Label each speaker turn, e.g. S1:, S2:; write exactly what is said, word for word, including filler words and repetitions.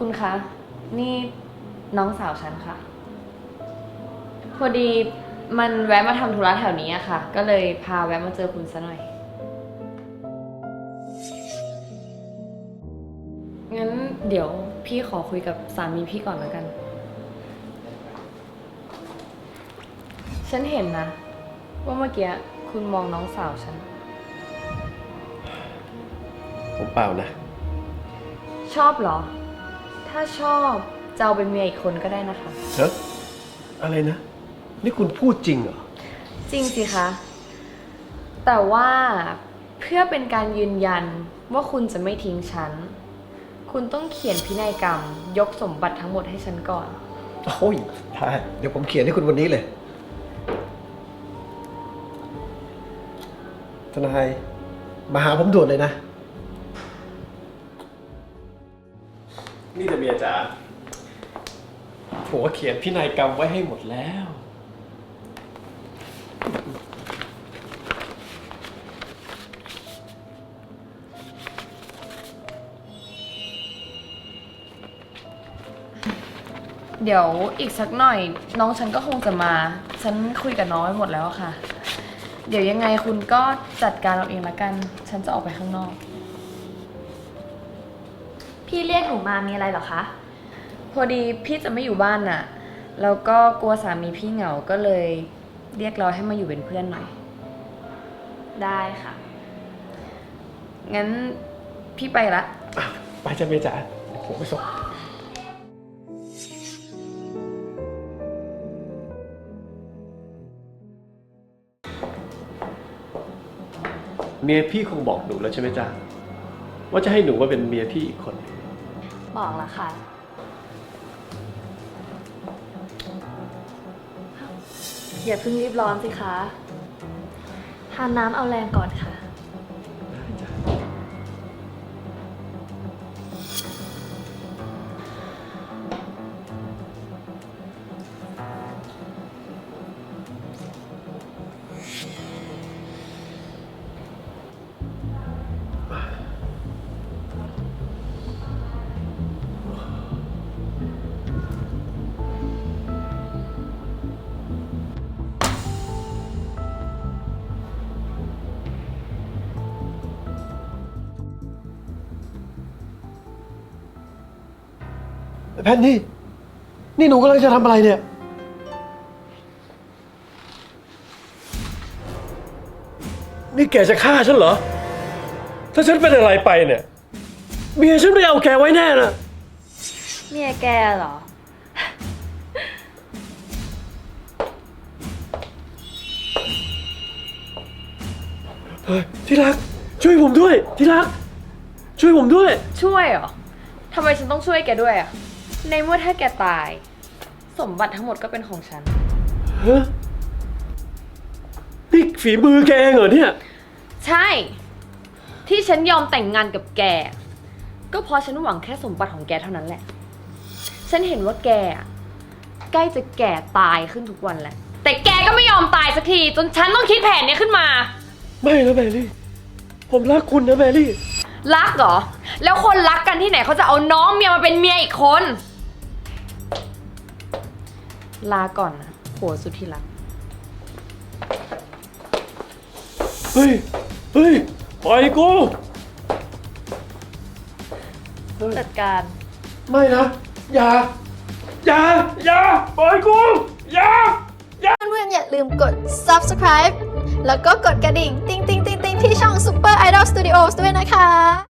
S1: คุณคะ นี่น้องสาวฉันค่ะ พอดีมันแวะมาทำธุระแถวนี้อะค่ะ ก็เลยพาแวะมาเจอคุณซะหน่อย งั้นเดี๋ยวพี่ขอคุยกับสามีพี่ก่อนแล้วกัน ฉันเห็นนะ ว่าเมื่อกี้คุณมองน้องสาวฉัน
S2: ผมเปล่านะ
S1: ชอบเหรอ ถ้าชอบจะเอาเป็นเมียอีกคนก็ได้นะคะ
S2: เฮ้ยอะไรนะ นี่คุณพูดจริงเหรอ
S1: จริงสิคะ แต่ว่าเพื่อเป็นการยืนยันว่าคุณจะไม่ทิ้งฉัน คุณต้องเขียนพินัยกรรม ยกสมบัติทั้งหมดให้ฉันก่อน
S2: โอ้ยได้เดี๋ยวผมเขียนให้คุณวันนี้เลย ทนายมาหาผมด่วนเลยนะ นี่แต่เมียจ๋าผัวเขียนพินัยกรรมไว้ให้หมดแล้ว
S1: เดี๋ยวอีกสักหน่อย น้องฉันก็คงจะมา ฉันคุยกับน้องไว้หมดแล้วค่ะ เดี๋ยวยังไงคุณก็จัดการเอาเองละกัน ฉันจะออกไปข้างนอก
S3: พี่เรียกหนูมามีอะไรเหรอคะ
S1: พอดีพี่จะไม่อยู่บ้านน่ะ แล้วก็กลัวสามีพี่เหงา ก็เลยเรียกเราให้มาอยู่เป็นเพื่อนหน่อย
S3: ได้ค่ะ
S1: งั้นพี่ไปละ
S2: ไปจ้ะเมียจ๋าผมไปส่งเมียพี่คงบอกหนูแล้วใช่ไหมจ๊ะว่าจะให้หนูมาเป็นเมียพี่อีกคน
S3: บอกแล้วค่ะ อย่าเพิ่งรีบร้อนสิคะทานน้ำเอาแรงก่อนค่ะ
S2: แพนนี่ นี่หนูกำลังจะทำอะไรเนี่ย นี่แกจะฆ่าฉันเหรอ ถ้าฉันเป็นอะไรไปเนี่ย เมียฉันไม่เอาแกไว้แน่นะ
S3: เมียแกเหรอ
S2: เฮ้ยที่รัก ช่วยผมด้วย ที่รัก ช่วยผมด้วย
S1: ช่วยเหรอ ทำไมฉันต้องช่วยแกด้วยอะในเมื่อถ้าแกตาย สมบัติทั้งหมดก็เป็นของฉัน
S2: ฮะ นี่ฝีมือแกเองเหรอเนี่ย
S1: ใช่ ที่ฉันยอมแต่งงานกับแก ก็เพราะฉันหวังแค่สมบัติของแกเท่านั้นแหละ ฉันเห็นว่าแกอะใกล้จะแก่ตายขึ้นทุกวันแล้ว แต่แกก็ไม่ยอมตายสักที จนฉันต้องคิดแผนเนี้ยขึ้นมา
S2: ไม่นะแมรี่ ผมรักคุณนะแมรี่
S1: รักเหรอ แล้วคนรักกันที่ไหนเขาจะเอาน้องเมียมาเป็นเมียอีกคน ลาก่อนนะผัวสุดที่รัก
S2: เฮ้ย เฮ้ย ปล่อยกู
S3: จัดการ
S2: ไม่นะ อย่า อย่า อย่า ปล่อยกู อย่า
S4: เพื่อนๆอย่าลืมกด subscribe แล้วก็กดกระดิ่ง ติ๊งติ๊งติ๊งติ๊งที่ช่อง Super Idol Studios ด้วยนะคะ